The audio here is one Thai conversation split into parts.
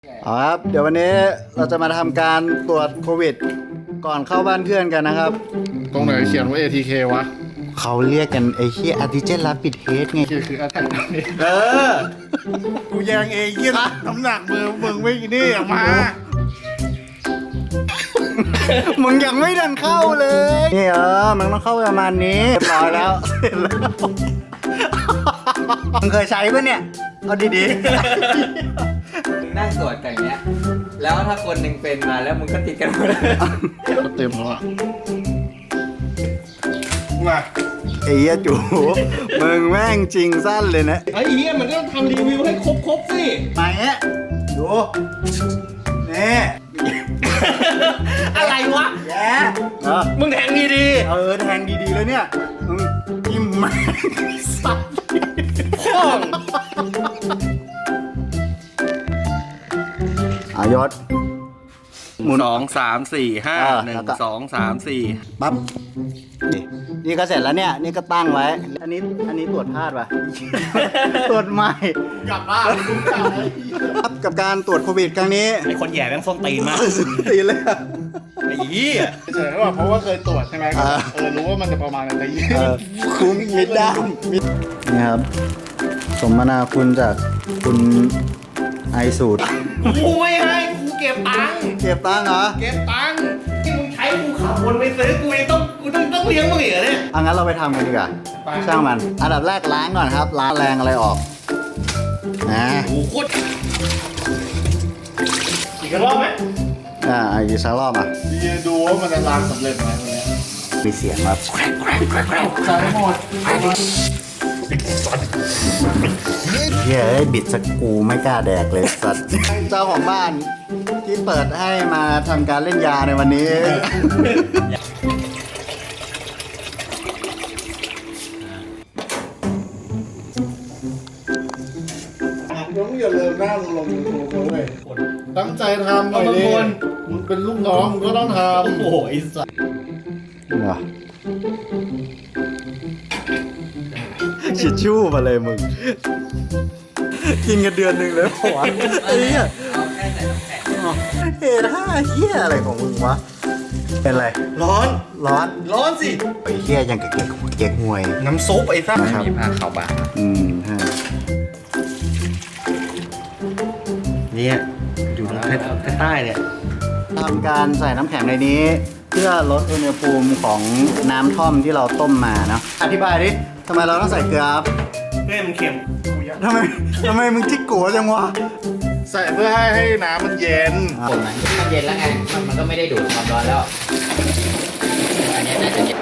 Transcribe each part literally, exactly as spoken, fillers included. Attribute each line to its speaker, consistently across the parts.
Speaker 1: เอาครับเดี๋ยววันนี้เราจะมาทำการตรวจโควิดก่อนเข้าบ้านเพื่อนกันนะครับ
Speaker 2: ตรงไหนเขียนว่า เอ ที เค วะ
Speaker 1: เขาเรียกกันไอ้เหี้ยอันติเจนรับปิดเทสไง
Speaker 2: คือคืออาแทกนี่
Speaker 1: เออ
Speaker 2: กูแยงเองยี่ละน้ำหนักมือมึงไม่นี่ออกมา
Speaker 1: มึงยังไม่ดันเข้าเลยนี่เออมันต้องเข้าประมาณนี้เรียบร้อยแล้วเสร็จแล้วมึงเคยใช้ปะเนี่ยเอาดี
Speaker 3: มึงนั่งตรวจกันอย่างเงี้ย แล้วถ้าคนหนึ่งเป็นมาแล้วมึงก็ติดกันหมดเลย
Speaker 2: ก็เต็มแล้วอ่ะมา
Speaker 1: ๆไอ้เหี้ยจูมึงแม่งจริงสั้นเลยนะ
Speaker 4: ไอ้เหี้ยมันต้องทำรีวิวให้ครบๆสิ
Speaker 1: มาเงี้ยดูนี่
Speaker 4: อะไรวะ
Speaker 1: แย่เออ
Speaker 4: มึงแทงดีดี
Speaker 1: เออแทงดีๆเลยเนี่ยมึงจิ้มมาสัตว์
Speaker 4: พ่อง
Speaker 1: อายศหมุน
Speaker 4: สองสามสี่ห้า
Speaker 1: เออ
Speaker 4: หนึ่
Speaker 1: แล้
Speaker 4: ง
Speaker 1: วก็
Speaker 4: สองสามสี่
Speaker 1: ปั๊บนี่นี่ก็เสร็จแล้วเนี่ย นี่ก็ตั้งไว้ อันนี้อันนี้ตรวจพลาดป่ะ ตรวจใหม่
Speaker 2: กลับบ้านกูกลับเลย
Speaker 1: ครับกับการตรวจโควิดครั้งนี้
Speaker 4: ไอ้คนแย่แม่งส้นตีนมาก
Speaker 1: ตีเลยอะ
Speaker 4: ไอ้เหี้ย
Speaker 2: เฉยๆว่าเพราะว่าเคยตรวจใช่ไหมก็
Speaker 1: อ่า
Speaker 2: เออรู้ว่ามันจะประมาณอะไรแต่ยี่
Speaker 1: เออคุ้มมิดด้ามมิดนี่ครับ สมนาคุณจากคุณไอสูตร
Speaker 4: กูไม่ให้กูเก็บตังค์
Speaker 1: เก็บตังค์เหรอ
Speaker 4: เก็บตังค์ที่มึงใช้กูขับวนไปซื้อกูยังต้องกูต้องต้องเลี้ยงมึงอีกเหรอเนี่ย
Speaker 1: เอางั้นเราไปทำกันดีกว่า ช่างมัน อันดับแรกล้างก่อนครับ ล้างแรงอะไรออกนะ
Speaker 4: โอ้โหโคตรอีกรอบไหม
Speaker 1: อ่าอีกสักรอบอ่ะ
Speaker 2: ดีดูว่ามันจะล้างสำเร็จไหมวันนี้
Speaker 1: มีเสียงแบบ
Speaker 2: ใช้หมด
Speaker 1: เฮ้ยบิดสกกูไม่กล้าแดกเลยสัตว์ เจ้าของบ้านที่เปิดให้มาทำการเล่นยาในวันนี้
Speaker 2: มึงอย่าเลิกหน้ามึงลงยูทูบนะเว้ยตั้งใจทำหน่อยดิมึงเป็นลูกน้องมึงก็ต้องทำ
Speaker 4: โอ้โหไอ้สัส
Speaker 1: เหรอชิดชู่มาเลยมึง กินกันเดือนหนึ่งเลยหัวะไอ้เหี้ย
Speaker 3: เอาแค่ใส่น้ำแข็ง
Speaker 1: เฮ้ยห้าเหี้ยอะไรของมึงวะ เป็นไร
Speaker 4: ร้อน
Speaker 1: ร้อน
Speaker 4: ร้อนสิ
Speaker 1: ไอ้เหี้ยยังกับเก๊กเก๊กหวย
Speaker 4: น้ำซุปไอ้สัส
Speaker 1: ครับ
Speaker 3: มีผ้าขาวบาง
Speaker 1: อืมฮะ
Speaker 4: เนี่ยอยู่ทางใต้เนี่ย
Speaker 1: ทำการใส่น้ำแข็งในนี้ เพื่อลดอุณหภูมิของน้ำท่อมที่เราต้มมาเนาะอธิบายดิทำไมเราต้องใส่เกลือครับ
Speaker 4: เพื่อให้มันเค็ม
Speaker 1: ทำไมทำไมมึงจิกโกจังวะ
Speaker 2: ใส่เพื่อให้ให้น้ำมันเย็น
Speaker 3: คนมันมันเย็นแล้วไง มันมันก็ไม่ได้ดูดความร้อนแล้ว อันนี้น่าจะเย็น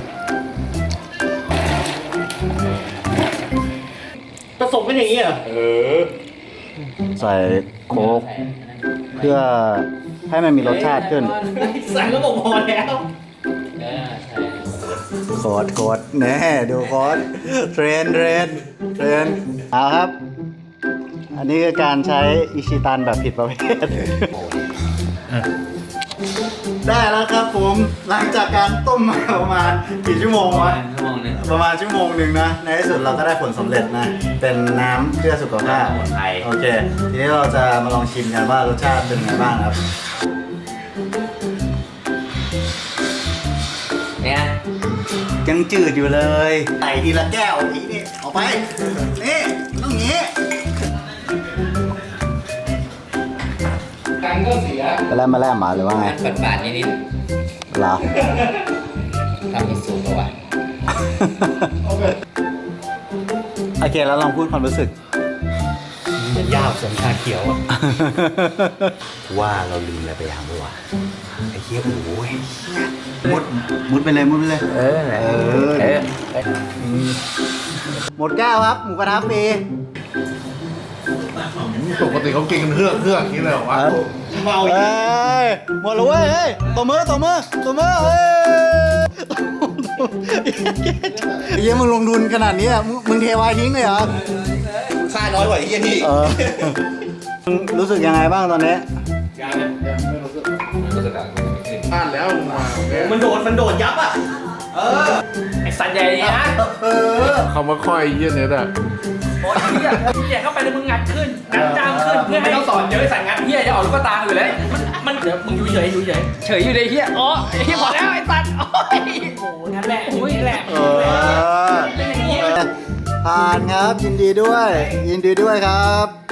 Speaker 4: ผสมเป็นอย่างนี้เหรอ
Speaker 2: เออ
Speaker 1: ใส่โค้กเพื่อให้มันมีรสชาติขึ้น
Speaker 4: ใส่แล้วบอกพอแล้ว
Speaker 3: เออใช่
Speaker 1: โคตรโคตรแน่ดูโคตรเทรนเทรนเทรนเอาครับ อันนี้คือการใช้อิชิตันแบบผิดประเภท ได้แล้วครับผมหลังจากการต้มมาประมาณกี่ชั่วโมงวะ
Speaker 3: ชั่วโมงนึง
Speaker 1: ประมาณชั่วโมงหนึ่งนะ ในที่สุดเราก็ได้ผลสำเร็จนะ เป็นน้ำเพื่อสุขภาพ
Speaker 3: สมุนไพร
Speaker 1: โอเค ทีนี้เราจะมาลองชิมกันว่ารสชาติเป็นไงบ้างครับ
Speaker 3: เนี่ย
Speaker 1: ยังจืดอยู่เลยใส่ทีละแก้วอีกนี่ออกไป นี่ ต้องงี้
Speaker 4: กันก็เสีย
Speaker 1: ไปแล้วมาแล้วมาหรือว่าไง
Speaker 3: มันบาดๆนิด
Speaker 1: เหรอ
Speaker 3: ๆทำให้สูงกว่า
Speaker 1: โอเคแล้วลองพูดความรู้สึก
Speaker 4: มันยาวสมชาเขียวอ่ะ
Speaker 1: ว่าเราลืมอะไรไปอย่างบ้วะไอ้เหี้ยโอ้ยมุดมุดไปเลยมุดไปเลย
Speaker 3: เออ
Speaker 1: เออ
Speaker 3: เออ
Speaker 1: หมดแก้วครับ หมูกระทะฟรี
Speaker 2: ปกติเขากินกันเฮือกเฮือกนี่เลยเหรอวะ
Speaker 4: เมา
Speaker 1: เฮ้ยหมดแล้วเว้ยเฮ้ยตัวมือตัวมือตัวมือเฮ้ยไอ้เหี้ยมึงลงทุนขนาดนี้อะมึงมึงเทวายทิ้งเลยเหรอ
Speaker 4: ค่าน้อยกว่าไอ้เหี้ยนี่
Speaker 1: เออมึงรู้สึกยังไงบ้างตอนนี้
Speaker 4: ยังนะ
Speaker 2: ยังไม่รู้สึกพลาดแล้วมึงมาเนี่ย
Speaker 4: มันโดดมันโดดยับอ่ะ เออ ไอ้สันใหญ่เนี่ยนะ
Speaker 1: เออ
Speaker 2: คำว่าค่อยเยี่ยนเนี่ยอะ
Speaker 5: โอ้ยเฮียเฮียเข้าไปแล้วมึงงัดขึ้นงัดจามขึ้นเพื่อให้ต้องสอนเยอะสั่งงัดเฮียจะออกลูกตาอยู่แล้วมันเดี๋ยวมึงอยู่เฉยอยู่เฉยเฉยอยู่เลยเฮียอ๋อเฮียพอแล้วไอ้สัตว์โอ้ยโอ้นั่นแหละโอ้ยแหละ
Speaker 1: เออผ่านครับยินดีด้วย ยินดีด้วยครับ